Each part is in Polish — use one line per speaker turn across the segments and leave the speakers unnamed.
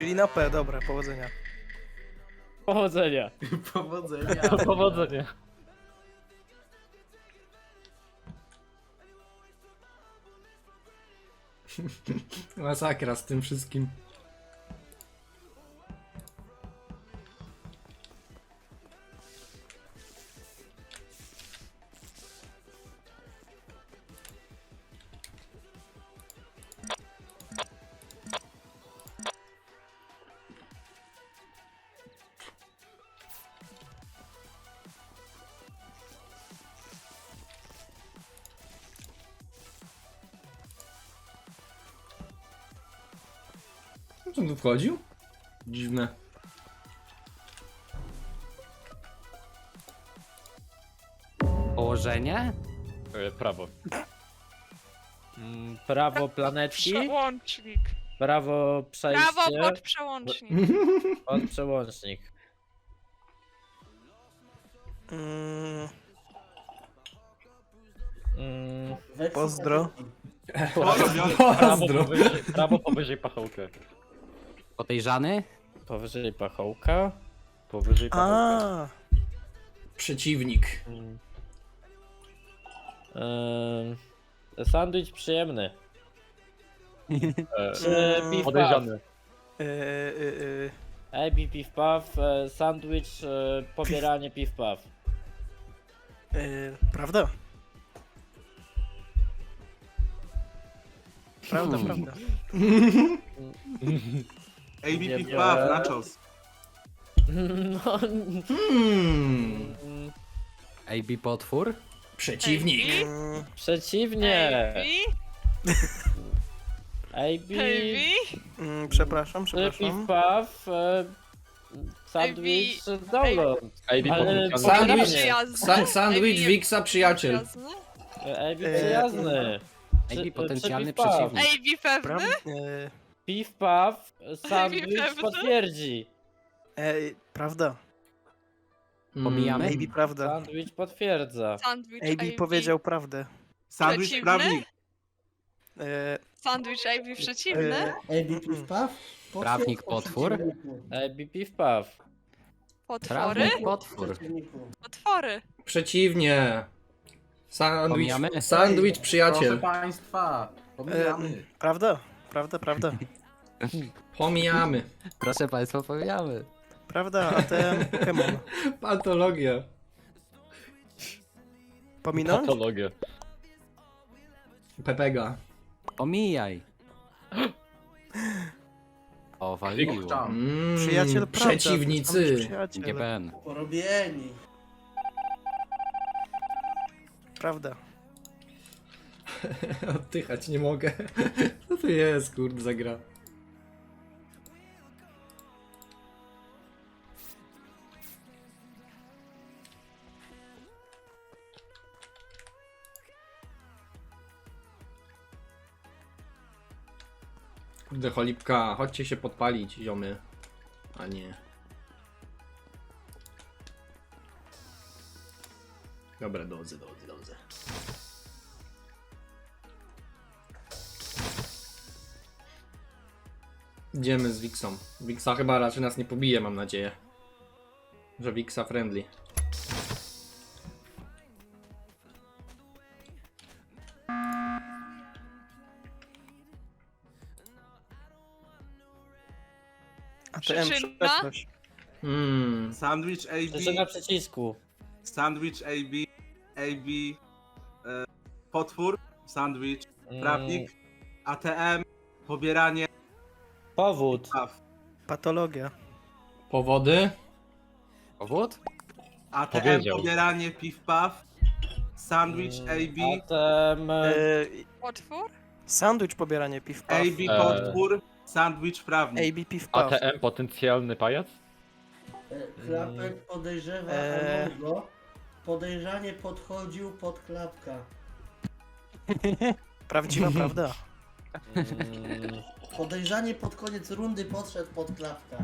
Czyli na P, dobra, powodzenia.
Powodzenia.
Powodzenia.
Powodzenia.
Masakra z tym wszystkim. Co on tu wchodził? Dziwne.
Położenie?
Prawo. Prawo planetki,
Przełącznik.
prawo przejście,
Prawo pod przełącznik.
pod przełącznik.
Mm,
Mm,
pozdro.
Pozdro.
prawo powyżej pachołka.
Podejrzany?
Powyżej pachołka. Powyżej pachołka.
A,
Przeciwnik.
Sandwich przyjemny. Piw
Podejrzany.
AB piw puff, sandwich, pobieranie piw puff.
Prawda? Prawda, prawda.
AB
Nie
Pick
wiem.
Puff, nachos.
No,
AB potwór?
Przeciwnik.
przeciwnie.
Heavy.
AB,
Przepraszam,
piw
przepraszam.
puff, sandwich, download. Ale
Sandwich,
Przyjazny.
sandwich,
AB
Wixa, przyjaciel.
przyjazny.
AB przyjazny.
AB potencjalny
piw puff.
przeciwnik.
AB pewny.
Piw puff, sandwich
pewny?
potwierdzi.
Prawda.
Pomijamy?
AB prawda.
Sandwich potwierdza.
Sandwich
AB powiedział prawdę.
Sandwich
Przeciwny?
prawnik.
E,
Sandwich AB przeciwny.
Prawnik potwór?
AB piw puff.
Potwory.
Prawnik potwór.
Potwory.
Przeciwnie. Sandwich,
Pomijamy?
sandwich,
Proszę
przyjaciel.
państwa, pomijamy.
prawda, prawda, prawda.
Pomijamy.
Proszę państwa, powiemy.
Prawda, ATM Pokémon.
Patologia.
Pominąć?
Patologia.
Pepega.
Omijaj. O, waliło.
Przyjaciel prawda.
Przeciwnicy.
Przyjaciel.
GBN.
Porobieni.
Prawda.
Oddychać nie mogę. Co to jest, kurde, za gra? Kurde, cholipka, chodźcie się podpalić, ziomy. A nie. Dobra, dodzy. Idziemy z Wixą. Wixa chyba raczej nas nie pobije, mam nadzieję. Że Wixa friendly.
ATM
Przyczyna?
przeszłość.
Sandwich
Przyczyna
AB,
przycisku.
sandwich AB, potwór, sandwich, prawnik, ATM, pobieranie,
Powód.
puff.
Patologia.
Powody?
Powód?
ATM,
Powiedział.
pobieranie, piw puff, sandwich AB,
Zatem
Potwór.
Sandwich pobieranie piw puff.
AB potwór, sandwich prawnik.
AB piw puff.
ATM potencjalny pajac?
Klapek podejrzewa Amongo. Podejrzanie podchodził pod klapka.
Prawdziwa prawda.
Podejrzanie pod koniec rundy podszedł pod klapka.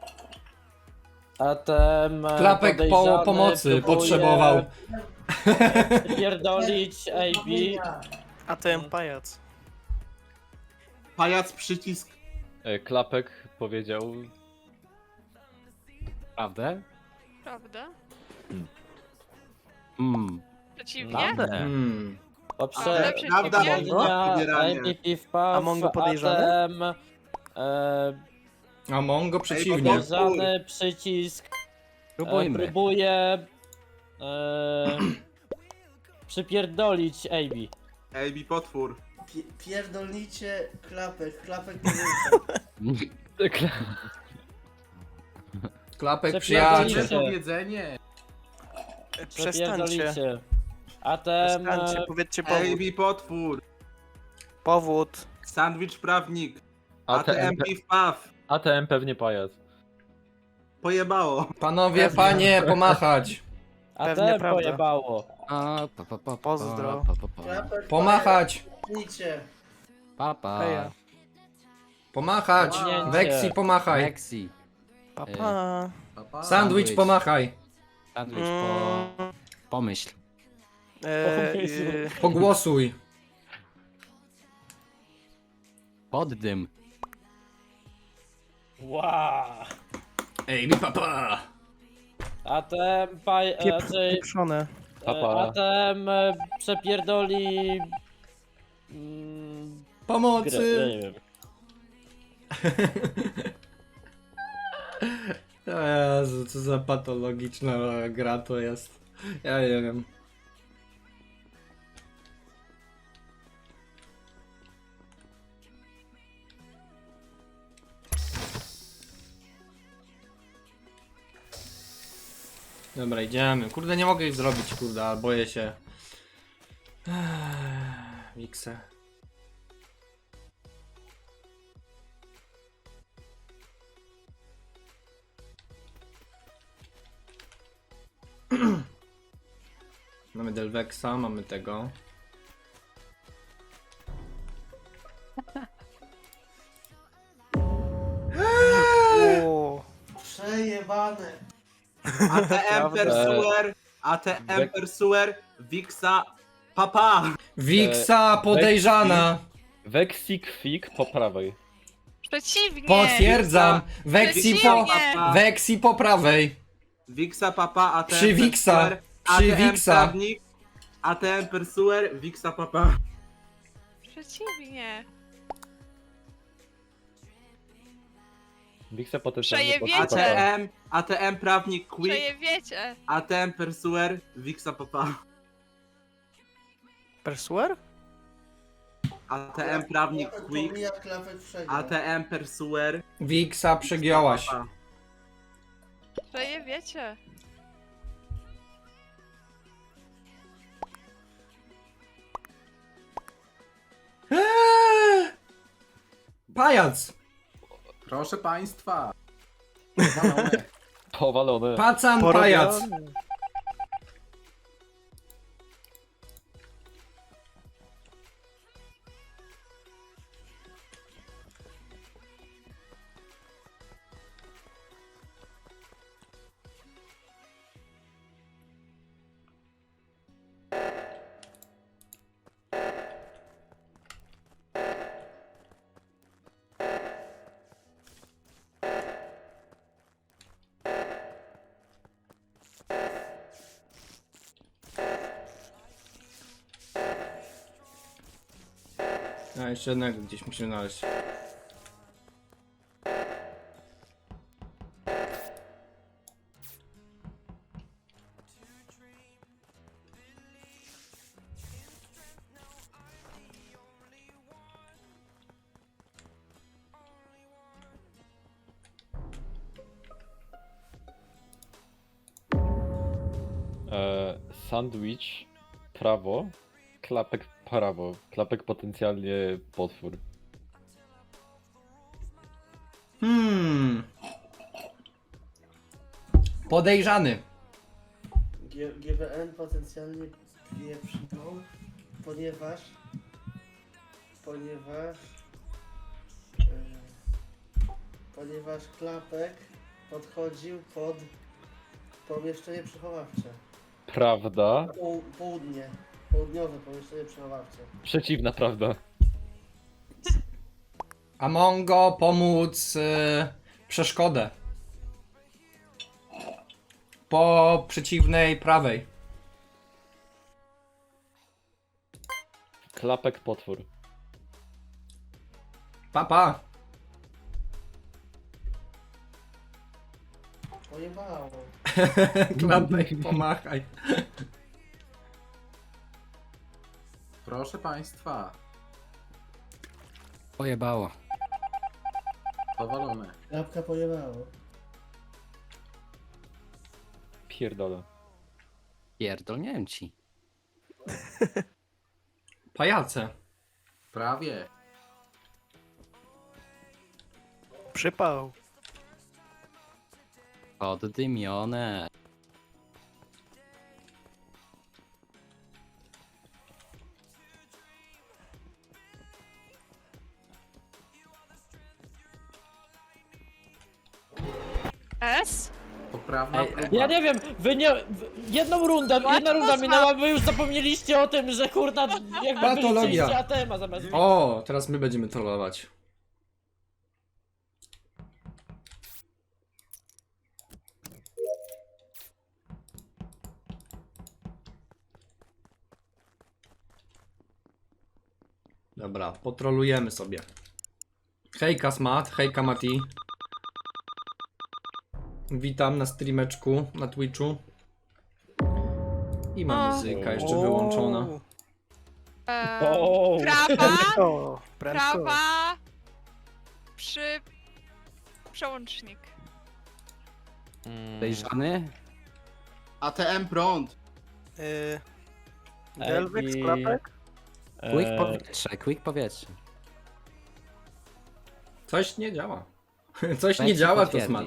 ATM
Klapek
podejrzany
pomocy
próbuje
potrzebował.
Pierdolić AB.
ATM pajac.
Pajac przycisk,
Klapek powiedział...
Prawda?
Prawda? Przeciwnie?
Prawda.
Ale przeciwnie?
Poprzednia
Pobieranie.
MVP wpaw,
A Mongo podejrzany?
ATM,
A Mongo przeciwnie.
bo-
podejrzany przycisk,
Próbujmy.
próbuje przypierdolić AB.
AB potwór.
Pierdolnicie klapek, klapek podejrza.
Klapek
Przepierdolicie.
przyjaciel.
Powiedzenie.
Przestańcie.
Przypierdolicie. ATM,
Przestańcie, powiedzcie powód.
AB potwór.
Powód.
Sandwich prawnik.
ATM,
ATM piw paw.
ATM pewnie pajac.
Pojebało.
Panowie, panie, pomachać.
Pewnie
ATM
prawda.
pojebało.
Pozdro.
Klapek
Pomachać.
podejrza.
Papa.
Heja.
Pomachać.
Wow.
Weksi, pomachaj.
Lexi.
Papa.
Sandwich, pomachaj.
Sandwich
Mm,
pomyśl.
Pogłosuj.
Poddym.
Wow.
Ej, mi papa.
ATM raczej
Pieprzone.
Papa.
ATM przepierdoli grę, ja
Pomocy.
nie wiem.
O Jezu, co za patologiczna gra to jest. Ja nie wiem. Dobra, idziemy. Kurde, nie mogę ich zrobić, kurde, ale boję się. Mikse. Mamy Delvexa, mamy tego.
O,
Przejebane.
ATM Pursuer. ATM Pursuer. Wixa. Papa.
Wiksa podejrzana!
Weksik Fik po prawej.
Przeciwnie!
Potwierdzam! Weksi po...
Przeciwnie!
Weksi po prawej!
Wixa Papa. ATM
Przy Wixa.
Pursuer,
Przy
ATM
Wixa.
prawnik. ATM Pursuer. Wixa Papa.
Przeciwnie!
Wiksa potencjalnie pod
Przejebiecie.
papa.
ATM prawnik Quick.
Przejebiecie!
ATM Pursuer. Wixa Papa.
Persuer?
ATM prawnik
Klapek
Quick.
pomija, klapek przegrał.
ATM Pursuer.
Wiksa przegięłaś.
Papa.
Przejebiecie!
Pajac!
Proszę państwa.
Powalone.
Pacan pajac!
Porobiony.
A jeszcze jednego gdzieś musimy znaleźć.
Sandwich prawo. Klapek prawo. Klapek potencjalnie potwór.
Podejrzany.
GBN potencjalnie pieprznął, ponieważ ponieważ klapek podchodził pod pomieszczenie przechowawcze.
Prawda.
Południowe pomieszczenie przechowawcze.
Przeciwna prawda.
Amongo pomóc przeszkodę. Po przeciwnej prawej.
Klapek potwór.
Papa.
Pojebało.
Klapek, pomachaj.
Proszę państwa,
Pojebało.
powalone.
Klapka pojebało.
Pierdolę.
Pierdolniałem ci.
Pajace.
Prawie.
Przypał.
Poddymione.
S?
Poprawna
Ej,
próba.
ja nie wiem, wy nie... Jedna runda minęła, wy już zapomnieliście o tym, że kurna, jakby
Patologia.
byliście ATM-a zamiast...
O, teraz my będziemy trollować. Dobra, potrolujemy sobie. Hejka Smat, hejka Mati. Witam na streameczku, na Twitchu. I ma
O.
muzyka jeszcze wyłączona.
O,
Prawa,
O, prędko.
prawa, przełącznik.
Podejrzany?
ATM prąd.
Delvex,
i-
klapek?
Quick powietrze, quick powietrze.
Coś nie działa. Coś nie
Weź
działa, to
potwierdzi.
Smat.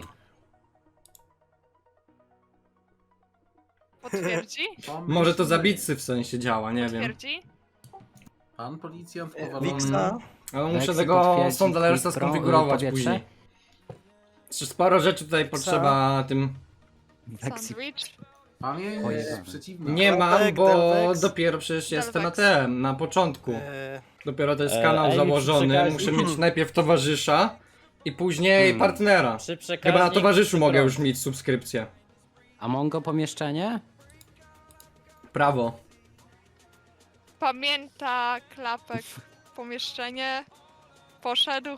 Potwierdzi?
Może to zabicy w sensie działa, nie wiem.
Potwierdzi?
Pan policjant
Wixa?
Ale muszę
Weksy
tego
potwierdzi,
Sondalersa
quick pro-
skonfigurować
powietrze?
później. Sporo rzeczy tutaj potrzeba tym.
Weksy.
Sandwich?
Pamięć
Oj,
przeciwna.
Nie mam,
Delvex,
bo
Delvex.
dopiero przecież jestem na
Delvex.
tym, na początku. Dopiero to jest
Ej,
kanał
Ej,
założony,
przekaż-
muszę mieć najpierw towarzysza i później partnera.
Przy przekaźnik...
Chyba na towarzyszu mogę
prąd.
już mieć subskrypcję.
A Mongo pomieszczenie?
Prawo.
Pamięta klapek pomieszczenie. Poszedł.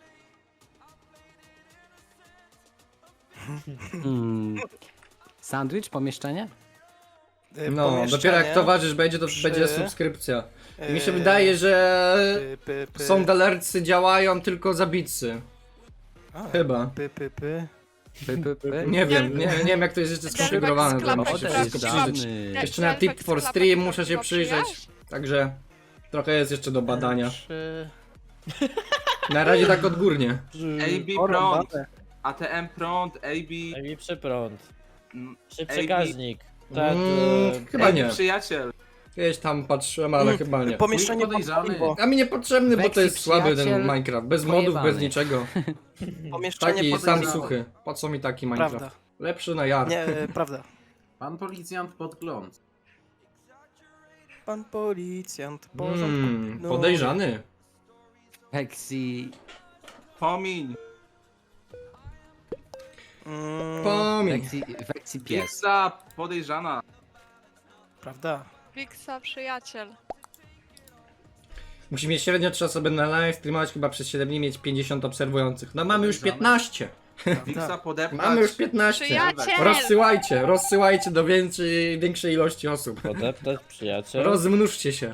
Sandwich pomieszczenie?
No, dopiero jak towarzysz będzie, to
przy-
będzie subskrypcja. Mi się wydaje, że Sondalercy działają tylko zabicy. Chyba. Nie wiem, nie wiem jak to jest jeszcze
Delvex
skonfigurowane, to
klapek
muszę się wszystko
prawdziwy.
przyjrzeć.
De-
Jeszcze na
Delvex
Tip for
klapek
Stream
to
muszę się
była
przyjrzeć.
przyjaźń?
Także trochę jest jeszcze do badania. Na razie tak odgórnie.
AB prąd. ATM prąd, AB.
Ej, przy prąd.
mm,
Przy przekaźnik. Tak,
Chyba nie.
Przyjaciel.
Gdzieś tam patrzyłem, ale chyba nie.
Pomieszczenie
Podejrzany.
podejrzane.
A mi niepotrzebny, bo to
Weksy
jest słaby ten
przyjaciel
Minecraft. Bez modów, bez
pojebany.
niczego.
Pomieszczenie
Taki sam
podejrzane.
suchy. Po co mi taki Minecraft?
Prawda.
Lepszy na jar.
Nie, prawda.
Pan policjant podgląd.
Pan policjant, porządku. No.
Podejrzany.
Weksy.
Pomiń.
Pomiń.
Weksy pies.
Wixa podejrzana.
Prawda.
Wixa przyjaciel.
Musi mieć średnio 3 osoby na live, streamować chyba przez 7 dni, mieć 50 obserwujących. No mamy już 15.
Wixa podeptać.
Mamy już 15.
Przyjaciel!
Rozsyłajcie do większej ilości osób.
podeptać przyjaciel.
Rozmnóżcie się.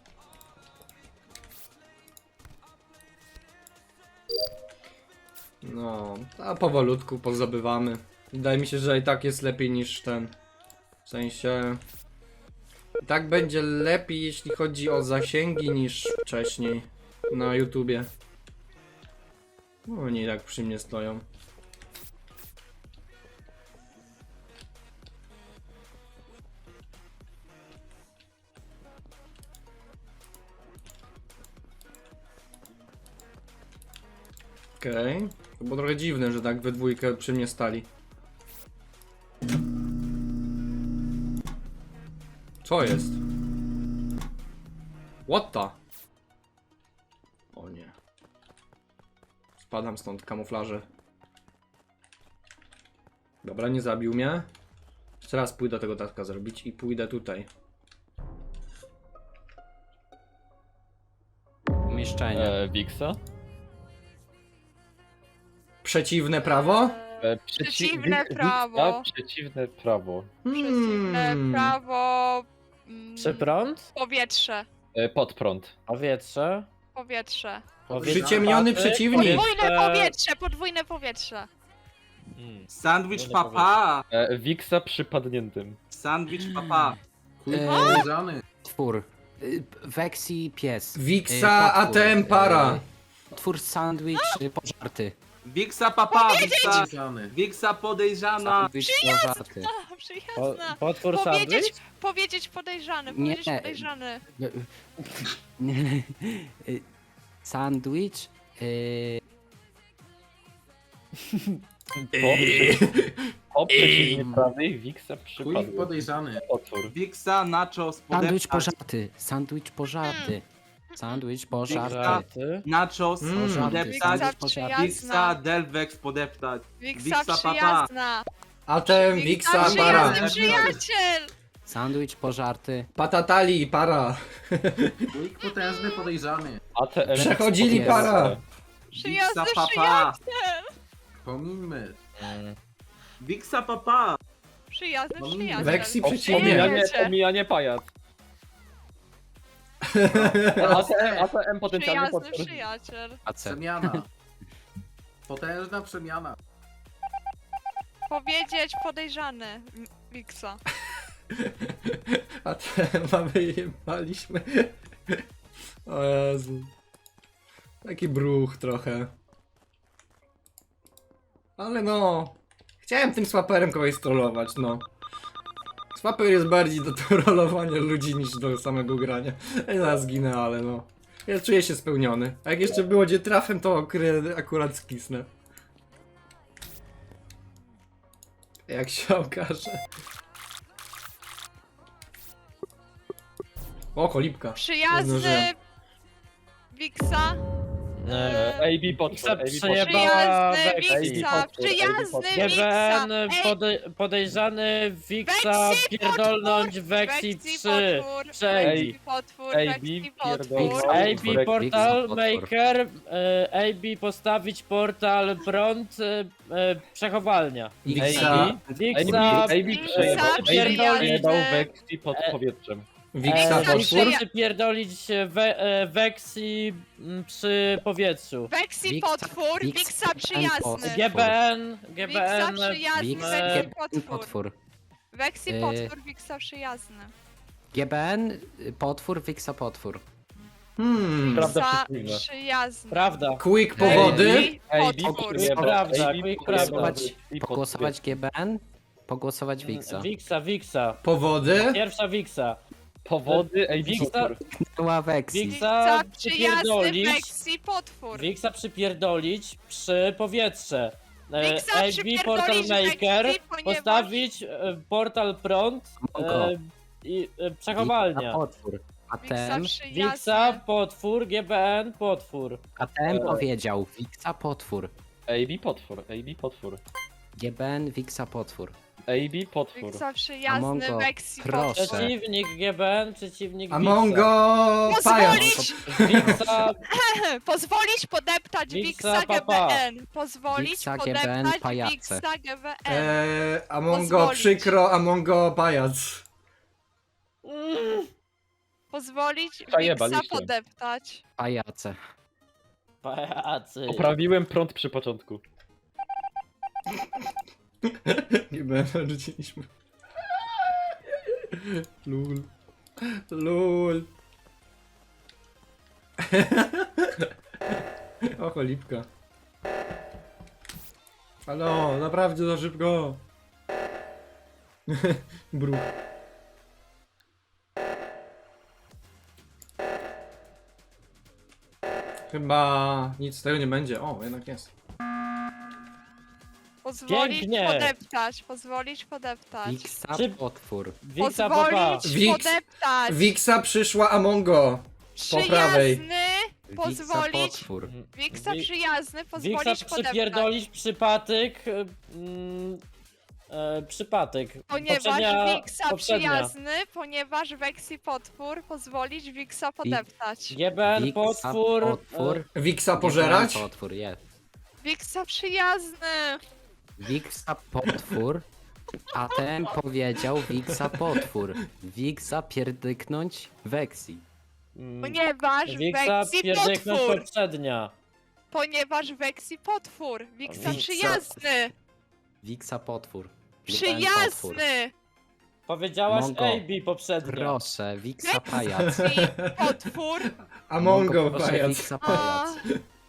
No, a powolutku pozabywamy. Wydaje mi się, że i tak jest lepiej niż ten. W sensie... I tak będzie lepiej, jeśli chodzi o zasięgi, niż wcześniej na YouTubie. No, oni tak przy mnie stoją. Okej. To było trochę dziwne, że tak we dwójkę przy mnie stali. Co jest? What the? O nie. Spadam stąd, kamuflaże. Dobra, nie zabił mnie. Jeszcze raz pójdę tego taska zrobić i pójdę tutaj.
Pomieszczenie.
Wixa?
Przeciwne prawo?
Przeciwne
Wixa,
prawo.
Przeciwne prawo.
Przeciwne prawo.
Przeprąd?
Powietrze.
Pod prąd.
Powietrze?
Powietrze.
Przyciemniony
Patyk,
przeciwnik.
Podwójne powietrze, podwójne powietrze.
Sandwich papa.
Wixa przypadniętym.
Sandwich papa.
Twór. Vexi pies.
Wixa,
Potwór.
ATM para.
Twór sandwich pożarty.
Wiksa papa. Wiksa podejrzana.
Sandwich pożarty.
Przyjazna.
Potwór
Powiedzieć,
sandwich?
powiedzieć podejrzany,
Nie.
powiedzieć podejrzany.
Sandwich.
Po przeciwnie prawej Wixa przypadły.
podejrzany.
Potwór.
Wiksa nachos
Sandwich
podeptać.
pożarty. Sandwich pożarty. Sandwich pożarty.
Żarty.
Nachos
Pożarty.
podeptać.
Wiksa
Sandwich pożarty.
Wiksa
przyjazna.
Delvex podeptać.
Wiksa
Wiksa papa.
przyjazna.
ATM, Wixa, para.
Przyjazny przyjaciel.
Sandwich pożarty.
Patatali, para.
Quick potężny podejrzany.
ATM.
Przechodzili
Jest.
para.
Przyjazny
Wiksa papa.
przyjaciel.
Pomińmy.
Wiksa papa.
Przyjazny
No,
przyjaciel.
Weksy
O,
przeciwnie.
Pomijanie pajac. ATM potencjalny
Przyjazny
potwór.
przyjaciel.
AC.
Przemiana. Potężna przemiana.
Powiedzieć podejrzany. Wiksa.
ATM wyjebaliśmy. O Jezu. Taki bruch trochę. Ale no. Chciałem tym swaperem kogoś strollować, no. Swapper jest bardziej do trollowania ludzi niż do samego grania. Ja zaraz zginę, ale no. Ja czuję się spełniony. A jak jeszcze było gdzie trafem, to akurat skisnę. Jak się okaże. O, cholipka.
Przyjazny.
Zdążyłem.
Wiksa.
AB potwór.
Wixa
AB potwór.
przejebała
Przyjazny
Weksy.
Wiksa.
Potwór,
Przyjazny
Ej,
Wiksa.
GBN
Ej,
podejrzany Wixa
Weksy
pierdolnąć Weksy
Weksy
3.
potwór.
Przejdzie.
Weksy potwór.
AB
Weksy potwór.
pierdolą.
AB Portal
Potwór.
Maker, AB postawić portal prąd, przechowalnia.
Wixa.
Wixa
przejebał Vexi pod powietrzem.
Wixa potwór.
przypierdolić Weksy przy powietrzu.
Weksy
Wiksa-
potwór.
Wiksa
Wiksa przyjazny.
GBN,
Wiksa
GBN,
przyjazny.
Wiksa,
Weksy
GBN,
potwór.
potwór.
Weksy
Yy.
potwór. Wiksa przyjazny.
GBN, potwór, Wixa potwór.
Prawda
Wiksa
przeciwna.
przyjazny.
prawda.
Quick powody.
Potwór.
Prawda, quick prawda.
Pogłosować GBN, pogłosować Wixa.
Wixa.
Powody.
Pierwsza Wixa.
Powody AB
Wixa,
potwór.
Była Vexi.
Wiksa
Wixa
przyjazny.
przypierdolić.
Weksy potwór.
Wixa przypierdolić przy powietrze.
Wiksa
AB
przypierdolić
Portal Maker
Weksy, ponieważ-
postawić portal prąd
Mongo.
i przechowalnia.
Potwór.
Wiksa
ATM,
Wixa,
przyjazny.
potwór, GBN, potwór.
ATM powiedział. Wixa potwór.
AB potwór. AB potwór.
GBN, Wixa potwór.
AB potwór.
Wiksa przyjazny.
Amongo,
Weksy
proszę.
potwór.
Przeciwnik GBN, przeciwnik
Amongo pajac.
Pozwolić,
Wixa,
pozwolić podeptać
Wiksa,
Wiksa
papa.
GBN. Pozwolić
Wiksa,
podeptać
GBN, pajace.
Wiksa GBN.
Amongo
Pozwolić.
przykro, Amongo pajac.
Pozwolić
Zajebaliście.
Wiksa podeptać.
Pajace.
pajacy.
Poprawiłem prąd przy początku.
Nie będę rzuciliśmy. Lul. Lul. O, cholipka. Halo, naprawdę za szybko. Bruch. Chyba nic z tego nie będzie. O, jednak jest.
Pozwolić
Pięknie.
podeptać. Pozwolić podeptać.
Wixa
Czy-
potwór.
Wixa, papa.
Pozwolić
Wix-
podeptać.
Wixa przyszła Amongo. Po prawej.
Przyjazny Pozwolić.
potwór.
Wiksa
Wi-
przyjazny,
Wiksa
pozwolić podeptać.
przypierdolić przypadek. Przypadek.
Ponieważ
Poprzednia-
Wiksa
poprzednia.
przyjazny, ponieważ Weksi potwór, pozwolić Wiksa podeptać.
GBN
Wiksa
potwór.
potwór.
Wiksa pożerać?
GBN potwór, jest.
Wiksa przyjazny!
Wiksa potwór. A ten powiedział Wiksa potwór. Wiksa pierdyknąć Weksi.
Ponieważ
Wiksa
Weksi
pierdyknąć
potwór!
poprzednia.
Ponieważ Weksi potwór! Wiksa
Wiksa-
przyjazny!
Wiksa potwór. GBN potwór.
Przyjazny!
Powiedziałaś
Mongo.
AB poprzednio.
Proszę, Wiksa pajac.
Weksi potwór!
Amongo
proszę,
pajac.
Wiksa
A,
pajac.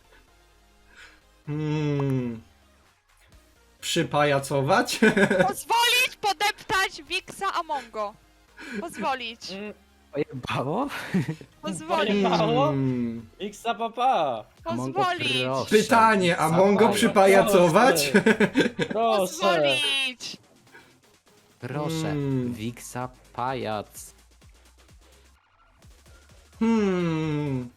Przypajacować?
pozwolić podeptać Wiksa Amongo! Pozwolić!
Mm,
Pojebało?
Pozwolić!
Mało?
Hmm.
Wiksa papa.
Mongo,
Pozwolić!
proszę.
Pytanie,
Wiksa
Amongo
pajac.
przypajacować?
Proszę.
Pozwolić!
Proszę,
Mm.
Wiksa pajac.
Hmm.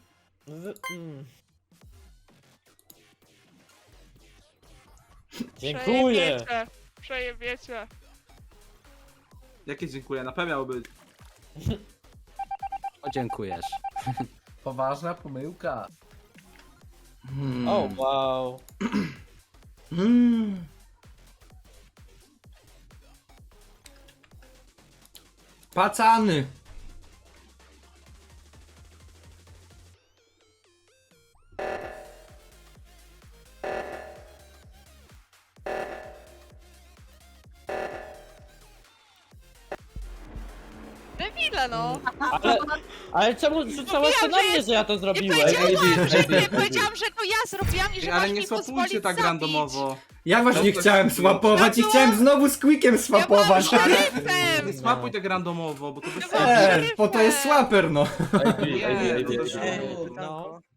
Dziękuję.
Przejebiecie. Przejebiecie.
Jakie dziękuję, na pewno miało być.
O, dziękujesz.
Poważna pomyłka.
Hmm.
O, wow.
Hmm. Pacany.
Debile no!
Ale czemu rzucałaś to na mnie, że ja to
Nie
zrobiłem?
powiedziałam, że to ja zrobiłam i że
Ale
masz
nie
mi
swapujcie
pozwolić
tak
zabić.
randomowo.
Ja właśnie
No to-
chciałem swapować i
No to-
chciałem znowu z Quickiem swapować.
Ja byłam
Nie
szeryfem!
swapuj tak randomowo, bo to bez
Ja byłam
sensu.
szeryfem.
Bo to jest swaper, no.
AB,
Nie,
AB,
to
AB,
też-
AB.
No.